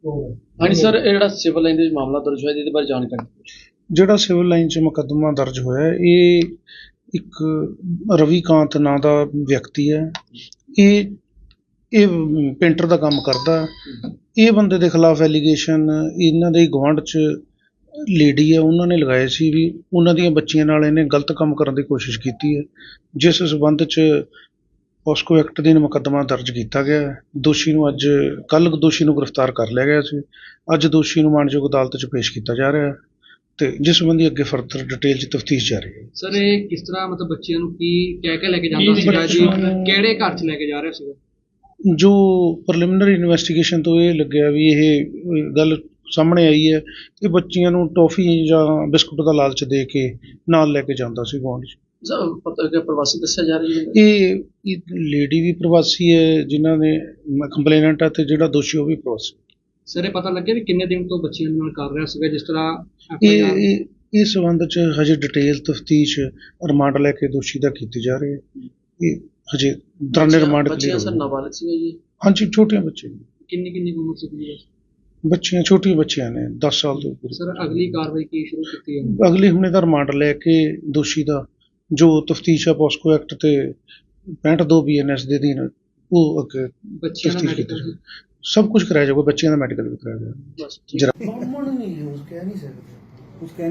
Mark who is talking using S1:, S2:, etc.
S1: हाँ जी सर, ये सिविल लाइन ਦੇ ਮਾਮਲਾ ਦਰਜ ਹੋਇਆ ਜਿਹਦੇ ਬਾਰੇ ਜਾਣਕਾਰੀ।
S2: ਜਿਹੜਾ ਸਿਵਲ ਲਾਈਨ 'ਚ ਮੁਕੱਦਮਾ ਦਰਜ ਹੋਇਆ ਇਹ ਇੱਕ ਰਵੀਕਾਂਤ ਨਾਂ ਦਾ ਵਿਅਕਤੀ ਹੈ। ਇਹ ਪੇਂਟਰ ਦਾ ਕੰਮ ਕਰਦਾ। ਇਹ ਬੰਦੇ ਦੇ ਖਿਲਾਫ ਐਲੀਗੇਸ਼ਨ ਇਹਨਾਂ ਦੇ ਗੁਆਂਢ 'ਚ ਲੇਡੀ ਹੈ, ਉਹਨਾਂ ਨੇ ਲਗਾਏ ਸੀ ਵੀ ਉਹਨਾਂ ਦੀਆਂ ਬੱਚੀਆਂ ਨਾਲ ਇਹਨੇ ਗਲਤ ਕੰਮ ਕਰਨ ਦੀ ਕੋਸ਼ਿਸ਼ ਕੀਤੀ ਹੈ, ਜਿਸ ਸਬੰਧ 'ਚ ਪੋਸਕੋ ਐਕਟ ਦੇ ਮੁਕੱਦਮਾ ਦਰਜ ਕੀਤਾ ਗਿਆ। ਦੋਸ਼ੀ ਨੂੰ ਕੱਲ੍ਹ ਦੋਸ਼ੀ ਨੂੰ ਗ੍ਰਿਫਤਾਰ ਕਰ ਲਿਆ ਗਿਆ ਸੀ। ਅੱਜ ਦੋਸ਼ੀ ਨੂੰ ਮਾਣਯੋਗ ਅਦਾਲਤ 'ਚ ਪੇਸ਼ ਕੀਤਾ ਜਾ ਰਿਹਾ ਹੈ ਤੇ ਜਿਸ ਸੰਬੰਧੀ ਅੱਗੇ ਫਰਦਰ ਡਿਟੇਲ 'ਚ ਤਫਤੀਸ਼ ਜਾਰੀ ਹੈ।
S1: ਸਰ ਇਹ ਕਿਸ ਤਰ੍ਹਾਂ ਮਤਲਬ ਬੱਚਿਆਂ ਨੂੰ ਕੀ ਕਹਿ ਕੇ ਲੈ ਕੇ ਜਾਂਦਾ ਸੀਗਾ ਜੀ, ਕਿਹੜੇ ਘਰ 'ਚ ਲੈ ਕੇ ਜਾ ਰਿਹਾ ਸੀਗਾ?
S2: ਜੋ ਪ੍ਰੀਲਿਮਿਨਰੀ ਇਨਵੈਸਟੀਗੇਸ਼ਨ ਤੋਂ ਇਹ ਲੱਗਿਆ ਵੀ ਇਹ ਗੱਲ ਸਾਹਮਣੇ ਆਈ ਹੈ ਕਿ ਬੱਚੀਆਂ ਨੂੰ ਟੌਫੀ ਜਾਂ ਬਿਸਕੁਟ ਦਾ ਲਾਲਚ ਦੇ ਕੇ ਨਾਲ ਲੈ ਕੇ ਜਾਂਦਾ ਸੀ ਗੁਆਂਢ 'ਚ।
S1: ਪਤਾ ਕਿ ਪ੍ਰਵਾਸੀ ਦੱਸਿਆ ਜਾ ਰਹੀ ਹੈ।
S2: ਇਹ ਲੇਡੀ ਵੀ ਪ੍ਰਵਾਸੀ ਹੈ ਜਿਨ੍ਹਾਂ ਨੇ ਕੰਪਲੇਨੈਂਟ ਹੈ ਤੇ ਜਿਹੜਾ ਦੋਸ਼ੀ ਉਹ ਵੀ ਪ੍ਰਵਾਸੀ।
S1: ਸਰ ਇਹ ਪਤਾ ਲੱਗਿਆ ਵੀ ਕਿੰਨੇ ਦਿਨ ਤੋਂ ਬੱਚਿਆਂ ਨਾਲ ਕਰ ਰਿਹਾ ਸੀਗਾ ਜਿਸ ਤਰ੍ਹਾਂ
S2: ਇਸ ਸੰਬੰਧ 'ਚ ਹਜੇ ਡਿਟੇਲ ਤਫਤੀਸ਼ ਰਿਮਾਂਡ ਲੈ ਕੇ ਦੋਸ਼ੀ ਦਾ ਕੀਤੀ ਜਾ ਰਹੀ ਹੈ। ਇਹ ਹਜੇ ਦੌਰਾਨੇ ਰਿਮਾਂਡ
S1: ਬੱਚਿਆਂ ਸਰ ਨਾਬਾਲਗ ਸੀਗਾ ਜੀ?
S2: ਹਾਂਜੀ, ਛੋਟੀਆਂ ਬੱਚੀਆਂ।
S1: ਕਿੰਨੀ ਉਮਰ ਸੀ
S2: ਬੱਚੀਆਂ? ਛੋਟੀਆਂ ਬੱਚੀਆਂ ਨੇ 10 ਸਾਲ ਤੋਂ ਉੱਪਰ।
S1: ਸਰ ਅਗਲੀ ਕਾਰਵਾਈ ਕੀ ਸ਼ੁਰੂ ਕੀਤੀ ਹੈ?
S2: ਅਗਲੀ ਹੁਣ ਇਹਦਾ ਰਿਮਾਂਡ ਲੈ ਕੇ ਦੋਸ਼ੀ ਦਾ ਜੋ ਤਫਤੀਸ਼ ਹੈ ਪੋਸਕੋ ਐਕਟ ਤੇ 65(2) BNS ਦੇ ਅਧੀਨ ਉਹ ਅੱਗੇ
S1: ਬੱਚਿਆਂ ਦਾ ਮੈਡੀਕਲ
S2: ਸਭ ਕੁਝ ਕਰਾਇਆ ਜਾਊਗਾ। ਬੱਚਿਆਂ ਦਾ ਮੈਡੀਕਲ ਵੀ ਕਰਾਇਆ ਜਾਊਗਾ।
S1: ਬਸ